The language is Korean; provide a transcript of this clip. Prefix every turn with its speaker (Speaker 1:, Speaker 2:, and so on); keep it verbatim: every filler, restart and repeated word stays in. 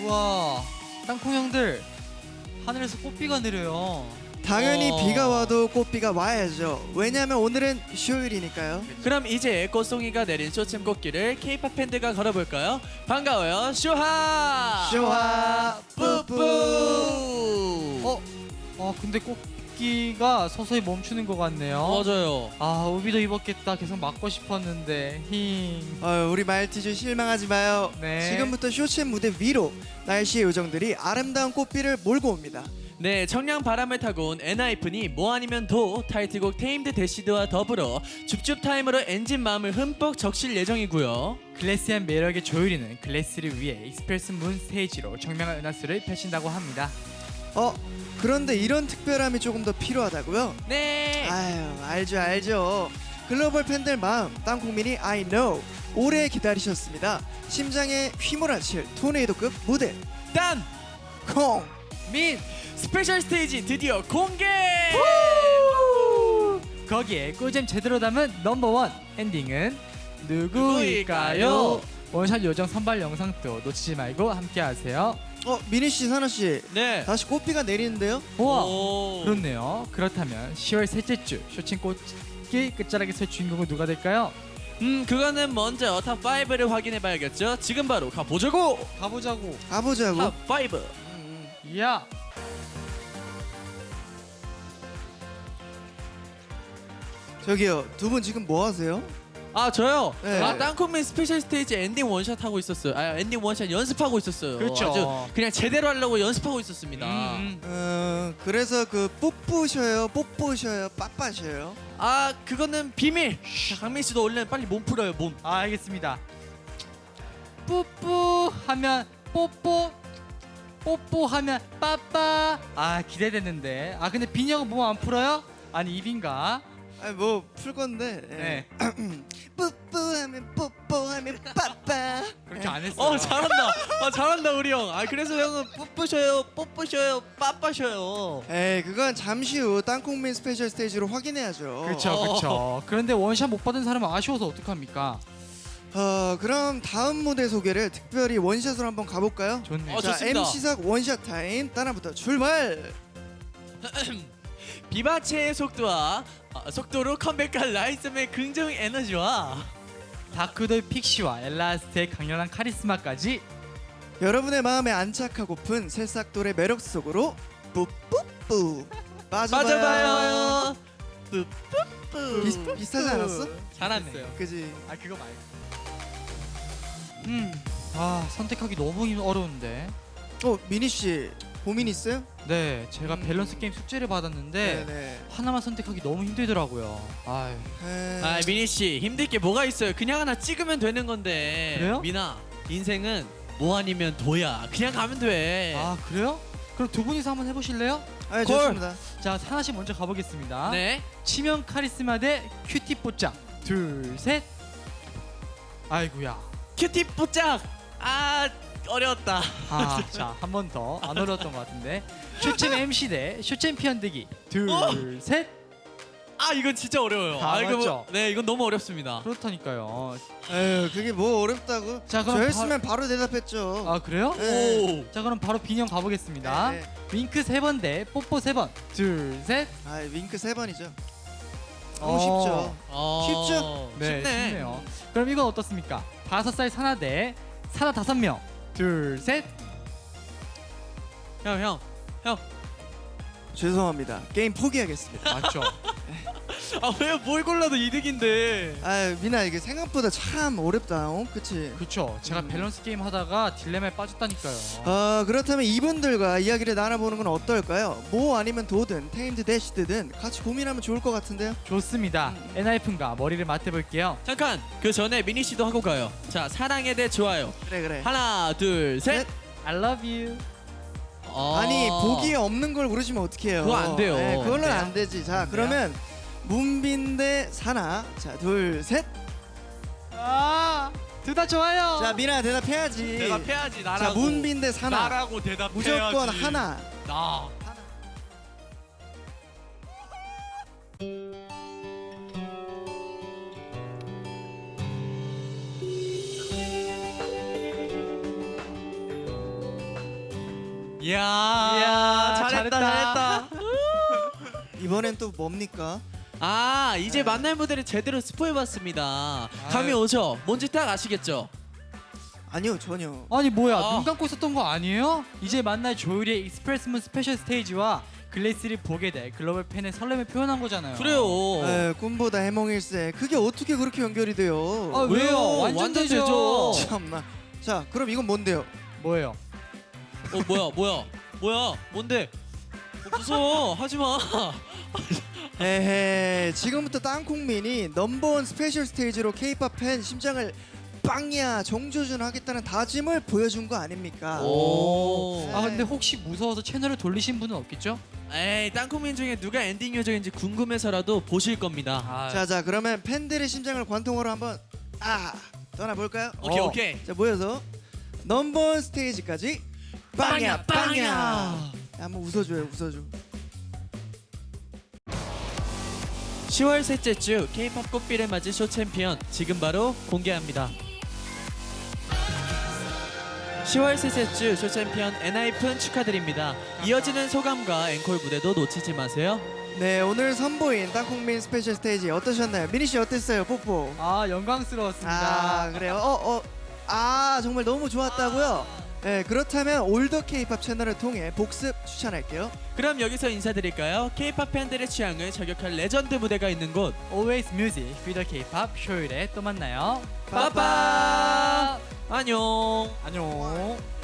Speaker 1: 우와, 땅콩 형들 하늘에서 꽃비가 내려요.
Speaker 2: 당연히
Speaker 3: 어.
Speaker 2: 비가 와도 꽃비가 와야죠. 왜냐면 오늘은 휴일이니까요.
Speaker 3: 그럼 이제 꽃송이가 내린 쇼챔 꽃길을 K-팝 팬들과 걸어볼까요? 반가워요, 슈하!
Speaker 2: 쇼하 뿌뿌.
Speaker 1: 어, 어 근데 꽃기가 서서히 멈추는 것 같네요.
Speaker 3: 맞아요.
Speaker 1: 아, 우비도 입었겠다. 계속 맞고 싶었는데. 힝.
Speaker 2: 어, 우리 말티즈 실망하지 마요.
Speaker 1: 네.
Speaker 2: 지금부터 쇼챔 무대 위로 날씨의 요정들이 아름다운 꽃비를 몰고 옵니다.
Speaker 3: 네, 청량 바람을 타고 온 엔하이픈이 뭐 아니면 도 타이틀곡 테임드 대시드와 더불어 줍줍 타임으로 엔진 마음을 흠뻑 적실 예정이고요.
Speaker 1: 글래시한 매력의 조율이는 글래스를 위해 익스프레스 문 스테이지로 청명한 은하수를 펼친다고 합니다.
Speaker 2: 어, 그런데 이런 특별함이 조금 더 필요하다고요?
Speaker 3: 네.
Speaker 2: 아유, 알죠 알죠. 글로벌 팬들 마음 땅콩민이 I know 오래 기다리셨습니다. 심장에 휘몰아칠 토네이도급 무대
Speaker 3: 딴!
Speaker 2: 콩.
Speaker 3: 민! 스페셜 스테이지 드디어 공개!
Speaker 1: 거기에 꿀잼 제대로 담은 넘버원 엔딩은 누구일까요?
Speaker 3: 누구일까요?
Speaker 1: 원샷 요정 선발 영상도 놓치지 말고 함께하세요.
Speaker 2: 어, 미니 씨, 사나 씨,
Speaker 3: 네.
Speaker 2: 다시 꽃비가 내리는데요?
Speaker 1: 우와,
Speaker 3: 오.
Speaker 1: 그렇네요. 그렇다면 시월 셋째 주 쇼친 꽃길 끝자락에서의 주인공은 누가 될까요?
Speaker 3: 음, 그거는 먼저 탑 파이브를 확인해 봐야겠죠? 지금 바로 가보자고!
Speaker 1: 가보자고.
Speaker 2: 가보자고.
Speaker 3: 탑 파이브!
Speaker 1: 야,
Speaker 2: 저기요, 두 분 지금 뭐 하세요?
Speaker 3: 아, 저요?
Speaker 2: 네.
Speaker 3: 아, 땅콩맨 스페셜 스테이지 엔딩 원샷 하고 있었어요. 아, 엔딩 원샷 연습하고 있었어요.
Speaker 1: 그렇죠.
Speaker 3: 아주 그냥 제대로 하려고 연습하고 있었습니다.
Speaker 1: 음, 음.
Speaker 2: 어, 그래서 그 뽀뽀셔요, 뽀뽀셔요, 빠빠셔요.
Speaker 3: 아, 그거는 비밀! 자, 강민 씨도 얼른 빨리 몸 풀어요, 몸.
Speaker 1: 아, 알겠습니다. 뿌뿌 하면 뽀뽀, 뽀뽀 하면 빠빠. 아, 기대되는데. 아, 근데 빈이 형은 몸 안 풀어요? 아니, 입인가?
Speaker 2: 아니 뭐 풀 건데.
Speaker 1: 네.
Speaker 2: 뽀뽀하면 뽀뽀하면 빠빠.
Speaker 1: 그렇게 안 했어요.
Speaker 3: 어, 잘한다. 아, 잘한다, 우리 형. 아, 그래서 형은 뽀뽀셔요, 뽀뽀셔요, 빠빠셔요.
Speaker 2: 에이, 그건 잠시 후 땅콩민 스페셜 스테이지로 확인해야죠.
Speaker 1: 그렇죠, 그렇죠. 그런데 원샷 못 받은 사람은 아쉬워서 어떡합니까?
Speaker 2: 어, 그럼 다음 무대 소개를 특별히 원샷으로 한번 가볼까요?
Speaker 1: 좋네요.
Speaker 3: 어,
Speaker 2: 자,
Speaker 3: 좋습니다.
Speaker 2: 엠시삭 원샷 타임 따라부터 출발.
Speaker 3: 비바체의 속도와 아, 속도로 컴백한 라이썸의 긍정 에너지와
Speaker 1: 다크돌 픽시와 엘라스트의 강렬한 카리스마까지
Speaker 2: 여러분의 마음에 안착하고픈 새싹돌의 매력 속으로 뿌뿌뿌 빠져봐요.
Speaker 3: 빠져봐요. 뿌뿌뿌.
Speaker 2: 비슷, 비슷하지 않았어?
Speaker 3: 잘하네요.
Speaker 2: 그지?
Speaker 1: 아, 그거 말고. 음, 아, 선택하기 너무 힘- 어려운데.
Speaker 2: 어, 미니 씨 고민 있어요?
Speaker 1: 네, 제가
Speaker 2: 음.
Speaker 1: 밸런스 게임 숙제를 받았는데
Speaker 2: 네네.
Speaker 1: 하나만 선택하기 너무 힘들더라고요. 아유.
Speaker 2: 에이,
Speaker 3: 아, 미니 씨 힘들 게 뭐가 있어요? 그냥 하나 찍으면 되는 건데.
Speaker 1: 그래요?
Speaker 3: 미나, 인생은 뭐 아니면 도야. 그냥 가면 돼.
Speaker 1: 아, 그래요? 그럼 두 분이서 한번 해보실래요?
Speaker 2: 아,
Speaker 3: 콜.
Speaker 2: 좋습니다.
Speaker 1: 자, 하나씩 먼저 가보겠습니다.
Speaker 3: 네.
Speaker 1: 치명 카리스마 대 큐티 뽀짝. 둘, 셋. 아이고야.
Speaker 3: 큐티 뽀짝. 아, 어려웠다.
Speaker 1: 아, 자, 한 번 더. 안 어려웠던 것 같은데. 쇼챔 엠씨 대 쇼챔피언 대기. 둘,
Speaker 3: 어?
Speaker 1: 셋.
Speaker 3: 아, 이건 진짜 어려워요.
Speaker 1: 아,
Speaker 3: 이거 뭐-
Speaker 1: 맞죠?
Speaker 3: 네, 이건 너무 어렵습니다.
Speaker 1: 그렇다니까요.
Speaker 2: 에휴, 그게 뭐 어렵다고?
Speaker 1: 자, 그럼
Speaker 2: 저였으면 바로 대답했죠.
Speaker 1: 아, 그래요?
Speaker 2: 네.
Speaker 3: 오.
Speaker 1: 자, 그럼 바로 빈형 가보겠습니다.
Speaker 2: 네, 네.
Speaker 1: 윙크 세 번 대 뽀뽀 세 번. 둘, 셋.
Speaker 2: 아, 윙크 세 번이죠. 너무
Speaker 1: 어.
Speaker 2: 쉽죠.
Speaker 3: 어,
Speaker 2: 쉽죠?
Speaker 1: 네,
Speaker 3: 쉽네.
Speaker 1: 쉽네요. 그럼 이건 어떻습니까? 다섯 살 사나 대 사나 다섯 명. 둘, 셋.
Speaker 3: 형, 형, 형.
Speaker 2: 죄송합니다. 게임 포기하겠습니다.
Speaker 1: 맞죠?
Speaker 3: 아, 왜 뭘 골라도 이득인데.
Speaker 2: 아, 미나 이게 생각보다 참 어렵다. 어? 그치?
Speaker 1: 그렇죠. 제가
Speaker 2: 음.
Speaker 1: 밸런스 게임 하다가 딜레마에 빠졌다니까요.
Speaker 2: 어, 그렇다면 이분들과 이야기를 나눠보는 건 어떨까요? 뭐 아니면 도든 테임드 대시드든 같이 고민하면 좋을 것 같은데요?
Speaker 1: 좋습니다.
Speaker 2: 음.
Speaker 1: 엔하이픈과 머리를 맞대볼게요.
Speaker 3: 잠깐, 그 전에 미니 씨도 하고 가요. 자, 사랑에 대해 좋아요.
Speaker 2: 그래 그래.
Speaker 3: 하나, 둘, 셋.
Speaker 2: 넷.
Speaker 1: I love you.
Speaker 3: 어.
Speaker 2: 아니 보기에 없는 걸 고르시면 어떡해요?
Speaker 3: 그거 안 돼요.
Speaker 2: 네, 그걸로는
Speaker 3: 안 돼요?
Speaker 2: 안 되지. 자,
Speaker 1: 안 돼요?
Speaker 2: 그러면 문빈 대 사나. 자, 둘, 셋.
Speaker 1: 아, 둘 다 좋아요.
Speaker 2: 자, 미나 대답해야지.
Speaker 3: 대답해야지, 나라고.
Speaker 2: 자, 문빈 대 사나.
Speaker 3: 나라고 대답해야지.
Speaker 2: 무조건 하나.
Speaker 3: 나. 이야,
Speaker 1: 이야,
Speaker 3: 잘했다,
Speaker 1: 잘했다.
Speaker 3: 잘했다.
Speaker 2: 이번엔 또 뭡니까?
Speaker 3: 아, 이제
Speaker 2: 네.
Speaker 3: 만날 무대를 제대로 스포해봤습니다. 감이 오죠? 뭔지 딱 아시겠죠?
Speaker 2: 아니요, 전혀.
Speaker 1: 아니 뭐야
Speaker 3: 아.
Speaker 1: 눈 감고 있었던 거 아니에요? 이제 만날 조율이의 익스프레스문 스페셜 스테이지와 글래스를 보게 될 글로벌 팬의 설렘을 표현한 거잖아요.
Speaker 3: 그래요.
Speaker 2: 에, 꿈보다 해몽일세. 그게 어떻게 그렇게 연결이 돼요?
Speaker 1: 아, 왜요? 완전,
Speaker 3: 완전
Speaker 1: 되죠.
Speaker 3: 되죠.
Speaker 2: 참나. 자, 그럼 이건 뭔데요?
Speaker 1: 뭐예요?
Speaker 3: 어, 뭐야, 뭐야, 뭐야, 뭔데? 어, 무서워, 하지 마.
Speaker 2: 에헤, 지금부터 땅콩민이 넘버원 스페셜 스테이지로 K-팝 팬 심장을 빵야 정조준 하겠다는 다짐을 보여준 거 아닙니까?
Speaker 3: 오.
Speaker 1: 아 근데 혹시 무서워서 채널을 돌리신 분은 없겠죠?
Speaker 3: 에이, 땅콩민 중에 누가 엔딩 요정인지 궁금해서라도 보실 겁니다.
Speaker 1: 아,
Speaker 2: 자, 자, 그러면 팬들의 심장을 관통하러 한번 아 떠나볼까요?
Speaker 3: 오케이,
Speaker 1: 어.
Speaker 3: 오케이.
Speaker 2: 자, 모여서 넘버원 스테이지까지 빵야 빵야. 한번 웃어줘요, 웃어줘.
Speaker 3: 시월 셋째 주 K-팝 꽃비를 맞은 쇼 챔피언 지금 바로 공개합니다. 시월 셋째 주 쇼 챔피언 엔하이픈 축하드립니다. 이어지는 소감과 앵콜 무대도 놓치지 마세요.
Speaker 2: 네, 오늘 선보인 땅콩민 스페셜 스테이지 어떠셨나요? 미니 씨 어땠어요, 뽀뽀?
Speaker 1: 아 영광스러웠습니다.
Speaker 2: 아, 그래요? 어, 어, 아, 정말 너무 좋았다고요? 네, 그렇다면 올더 K-팝 채널을 통해 복습 추천할게요.
Speaker 3: 그럼 여기서 인사드릴까요? K-팝 팬들의 취향을 저격할 레전드 무대가 있는 곳
Speaker 1: Always Music, Feel the K-pop 쇼일에 또 만나요.
Speaker 3: 빠빠 안녕.
Speaker 1: 안녕.